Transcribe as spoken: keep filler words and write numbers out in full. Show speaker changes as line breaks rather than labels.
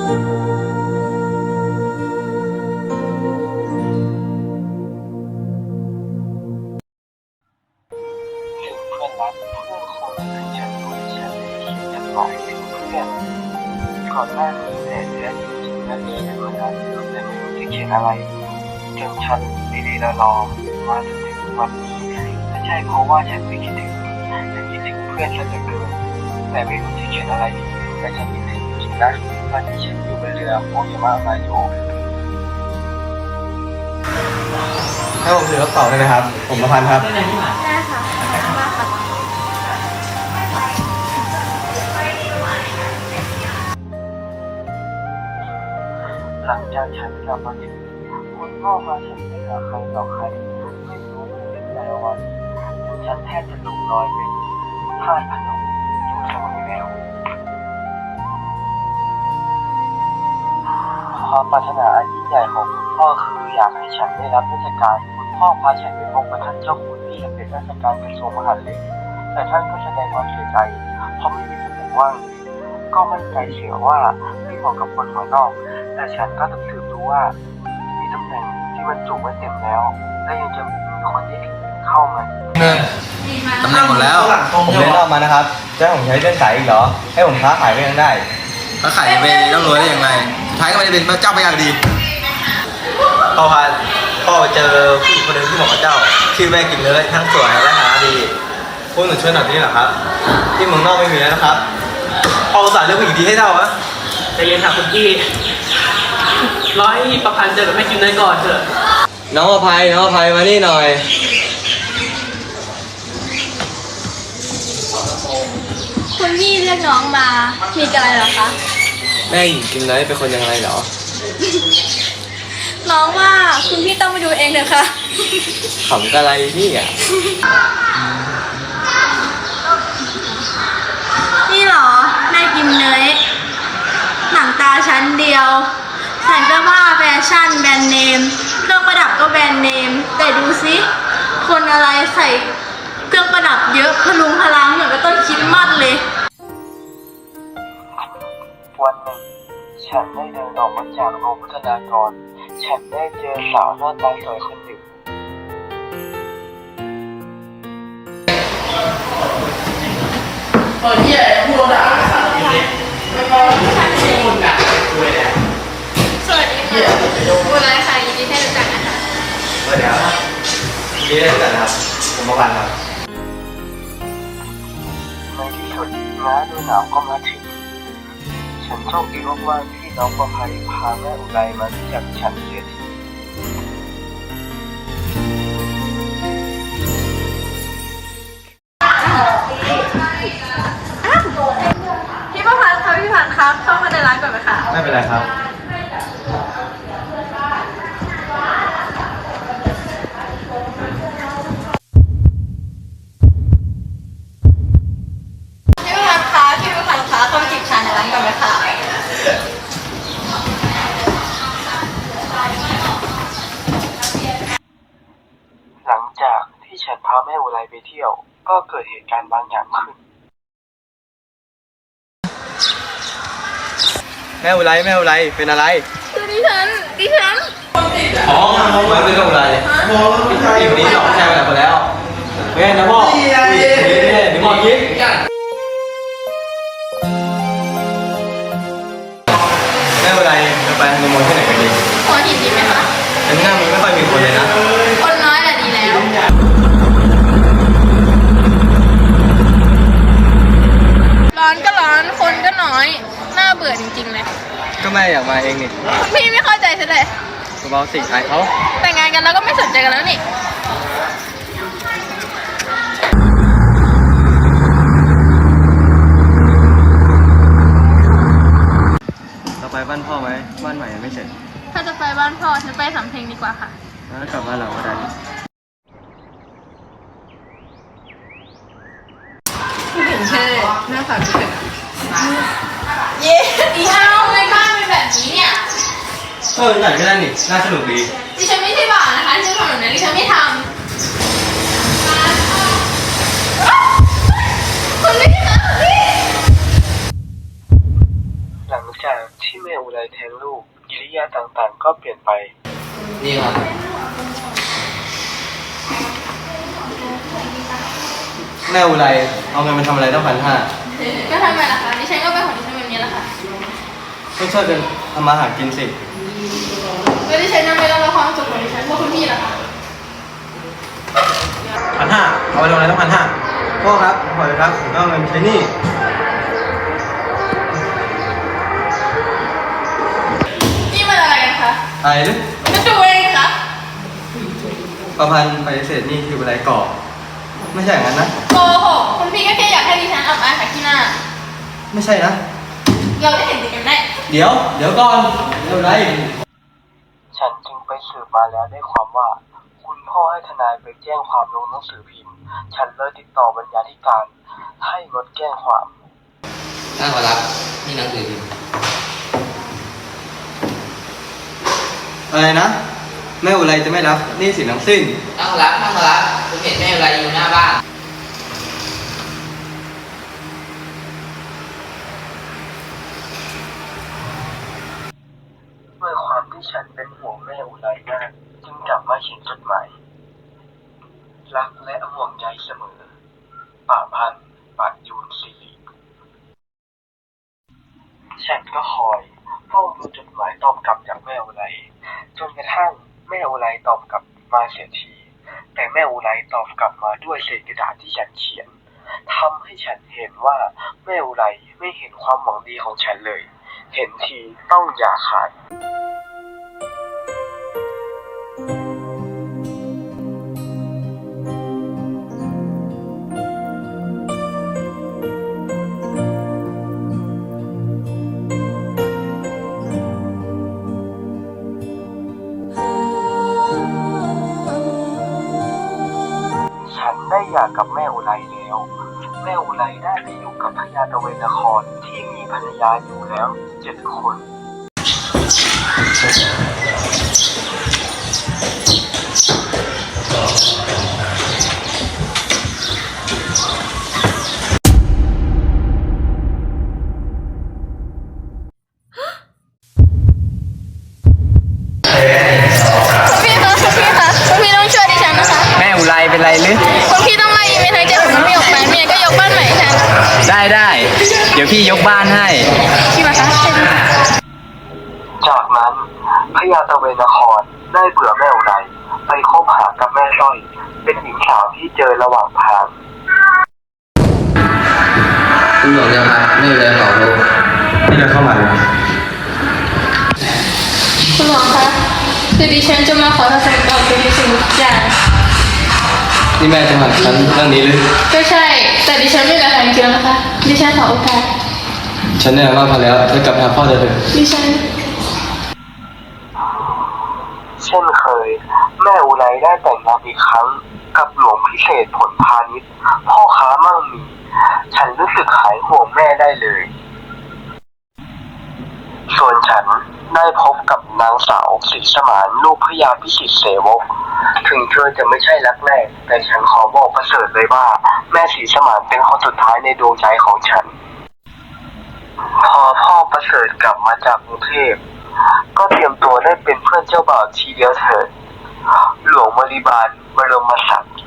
รักเพื่อนคนหนึ่งฉันรู้ฉันได้เขียนจดหมายถึงเพื่อนก่อนหน้านี้แต่เดือนจริงๆนั้นเขียนมานานแต่ไม่รู้จะเขียนอะไรจนฉันดีๆรอมาจนถึงวันนี้ไม่ใช่เพราะว่าฉันไม่คิดถึงฉันคิดถึงเพื่อนซะเหลือเกินแต่ไม่รู้จะเขียนอะไรดีแต่ฉันคิดถึงจริงนะตอนที่ฉันอยู่บนเรือโอยามะมาโย
ให้ผมถือกระเป๋าได้ไหมครับผมประพันธ์ครับ
ได้ค่ะมาค่ะ
หลังจากฉันกลับมาถึงคุณพ่อพาฉันไปหาใครต่อใครไม่รู้เป็นแต่ละวันฉันแทบจะหลงลอยเป็นธาตุพนมอยู่เสมอแล้วความปรารถนาอันยิ่งใหญ่ของคุณพ่อคืออยากให้ฉันได้รับราชการคุณพ่อพาฉันไปพบกับท่านเจ้าคุณที่เป็นราชการกระทรวงมหาดเล็กแต่ท่านก็แสดงความเสียใจเพราะไม่มีตำแหน่งว่างก็มั่นใจเสียว่าไม่เหมาะกับคนหัวนอกแต่ฉันก็ต้องสืบรู้ว่ามีตำแหน่งที่บรรจุไว้เต็มแล้วและยังจะมีคนที่เข้ามา
หนึ่งตำแหน่งหมดแล้วผมเรียนออกมานะครับจะให้ผมใช้เลื่อนสายอีกเหรอให้ผมค้าขายก็ยังได้ค้าขายไปร่ำรวยได้ยังไงสุดท้ายก็ไม่ได้เป็นพระเจ้าพระยาดีพ่อพาพ่อไปเจอผู้หญิงคนหนึ่งที่เหมาะกับเจ้าชื่อแม่กินเลยทั้งสวยและหาดีพวกหนูช่วยหน่อยนี่เหรอครับที่เมืองนอกไม่มีแล้วนะครับพ่ออุตส่าห์เลือกผู้หญิงดีให้เจ้าอะ
ใจเย็นค่ะคุณพี่รอให้ประพันธ์เจอกับแม่กินเลยก่อนเถอะ
น้องอภัยน้องอภัยมานี่หน่อย
คุณพี่เรียกน้องมามีอะไรเหรอคะ
แม่หญิงกินเลยเป็นคนยังไงเหรอ
น้องว่าคุณพี่ต้องไปดูเองเถอะค่ะ
ขำอะไรนี่อ่ะ
นี่หรอแม่กิมเนยหนังตาชั้นเดียวแสงก็บ้าแฟชั่นแบรนด์เนมเครื่องประดับก็แบรนด์เนมแต่ดูสิคนอะไรใส่เครื่องประดับเยอะพลุงพลังเหมือนกับต้นคริสต์มาสเลย
วันหนึ่งฉันได้เดินออกมาจากโรงพัฒนากรฉันได้เจอสาวหน้าตาสวยคนหนึ่ง
เออที่ไหนพูดด่าสาวที่นี่ไม่พอที่คนด่าคุยแล้ว
สวัสดีค่ะบุญไรค่ะยินดีที่รู้จักนะคะ
สวัสดีครับยินดีที่รู้จักนะครับผมประพันธ์ครับ
ในที่สุดน้าดูหนาวก็มาถึงฉันโชคดีมากๆที่น้องประภัยพาแม่อุไรมารู้จักฉันเสียที
พี่ประพันธ์คะพี่พันธ์ครับเข้ามาในร้านก่อนไหมคะ
ไม่เป็นไรครับ
พี่ประพันธ์คะพี่ประพันธ์คะเข้ามาจีบชายในร้านก่อนไหมคะ
หลังจากที่ฉันพาแม่อุไรไปเที่ยวก็เกิดเหตุการณ์บางอย่างขึ้น
แม่อุไรแม่อุไรเป็นอะไร
คือดิฉันดิฉัน
อ๋อไม่เป็นอะไรอีกนี้หลอกแช่ไปแล้วแล้วแม่นะพ่อนี่นี่นี่พ่อยิ้มแม่อุไรจะไปฮันนีมูนที่ไหนกันดี
หัวหินดีไหมคะ
อันนี้มันไม่ค่อยมีคนเลยนะ
คนน้อยแหละดีแล้วร้อนก็ร้อนคนก็น้อยน่าเบื่อจริงๆเลย
ก็แม่อยากมาเองนี่
พี่ไม่เข้าใจซะเลย
เบาๆสิอายเขา
แต่งงานกันแล้วก็ไม่สนใจกันแล้วนี่
เราไปบ้านพ่อไหมบ้านใหม่ยังไม่เสร็จ
ถ้าจะไปบ้านพ่อฉันไปสำเพ็งดีกว่าค่ะ
แล้วกลับบ้านเราก็ได้
ผู้หญิงเท่หน้าตาดีเลยเย้อีห้าวในบ้านเป็นแบบนี้เนี่ย
เออไหนก็ได้นี่น่าสนุกดี
ดิฉันไม่ใช่บ่าวนะคะดิฉันทำแบบนั้นดิฉันไม่ทำคุณไม่ทำพี่
หลังจากที่แม่อุไรแทงลูกกิริยาต่างๆ ก็เปลี่ยนไป
นี่ครับ แม่อุไรเอาเงินมาทำอะไรต้องพันห้า
ก็ทำไมล่ะคะดิฉันก็เป็นของดิฉันแบบนี้แหละค่ะ
ก็ช่วยกันทำมาหากินสิ
แล้วดิฉันยังไม่รับความสุขของดิฉันเพราะคุณพี่ล่ะคะ
พันห้าเอาไปลงอะไรต้องพันห้าพ่อครับขอเลยครับผมต้องเอาเงินใช้หนี้
นี่มันอะไรกันคะ
อะไรหรือ
จะดูเองคะ
ประพันธ์ปฏิเสธหนี้คืออะไรก่อไม่ใช่อย่างนั้นนะ
โกหกคุณพี่ก็แค่อยากให้ดิฉันอับอายขายขี้หน้า
ไม่ใช่นะ
เราได้เห็นดีกันแน่
เดี๋ยว เดี๋ยวก่อนเดี๋ยวไร
ฉันจึงไปสืบมาแล้วได้ความว่า คุณพ่อให้ทนายไปแจ้งความลงหนังสือพิมพ์ ฉันเลยติดต่อบรรณาธิการให้งดแจ้งความ
ถ้าขอรับนี่หนังสือพิมพ์
อะไรนะ แม่อุไรจะไม่รับหนี้สินทั้งสิ้น
ถ้าขอรับถ้าขอรับผมเห็นแม่อะไรอยู่หน้าบ้าน
ด้วยความที่ฉันเป็นห่วงแม่อุไรมากจึงกลับมาเขียนจดหมายรักและห่วงใยเสมอป่าพันธ์ปาดยูนสิริฉันก็คอยเฝ้าดูจดหมายตอบกลับจากแม่อุไรจนกระทั่งแม่อุไรตอบกลับมาเสียทีแต่แม่อุไรตอบกลับมาด้วยเศษกระดาษที่ฉันเขียนทำให้ฉันเห็นว่าแม่อุไรไม่เห็นความหวังดีของฉันเลย เห็นทีต้องอย่าขาด ฉันได้หย่ากับแม่อุไรแล้ว แม่อุไรได้ไปอยู่กับพญาตะเวนนครที่มีภรรยาอยู่แล้วเจ็ดคน
พี่คะคุณพี่คะคุณพี่ต้องช่วยดิฉันนะคะ
แม่อุไรเป็นไรหรือ
คุณพี่ต้องไล่อีเมลทางใจของคุณพี่ออกไปเมียก็ยกบ้านใหม่ให้ฉัน
ได้ได้ เดี๋ยวพี่ยกบ้านให้
พี่มาคะใช่ไหม
จากนั้นพญาตะเวนนครได้เบื่อแม่อุไรไปคบหากับแม่สร้อย เป็นหญิงสาวที่เจอระหว่างทาง
คุณหลวงจะพักไม่เลยขอรู้
นี่เดินเข้ามาเลย
คุณหลวงคะคือดิฉันจะมาขอทศกรรมเป็นสิ่งทุกอย่าง
นี่แม่จะมาฉันเรื่องนี้หรือ
ก็ใช่ แต่ดิฉันไม่เหลือทางเดียวนะคะ ดิฉันขอโอกาส
ฉันเนี่ยว่าพอแล้วจะกลับหาพ่อเธอเถอะ
ดิฉัน
เช่นเคย แม่อุไรได้แต่งงานอีกครั้งกับหลวงพิเศษผลพาณิชย์พ่อค้ามั่งมี ฉันรู้สึกหายห่วงแม่ได้เลย ส่วนฉันได้พบกับนางสาวศรีสมานลูกพระยาพิสิทธิเสวก ถึงเธอจะไม่ใช่รักแรกแต่ฉันขอบอกประเสริฐเลยว่า แม่ศรีสมานเป็นคนสุดท้ายในดวงใจของฉัน พอพ่อประเสริฐกลับมาจากกรุงเทพก็เตรียมตัวได้เป็นเพื่อนเจ้าบ่าวทีเดียวเถิด หลวงบริบาลบรมศักดิ์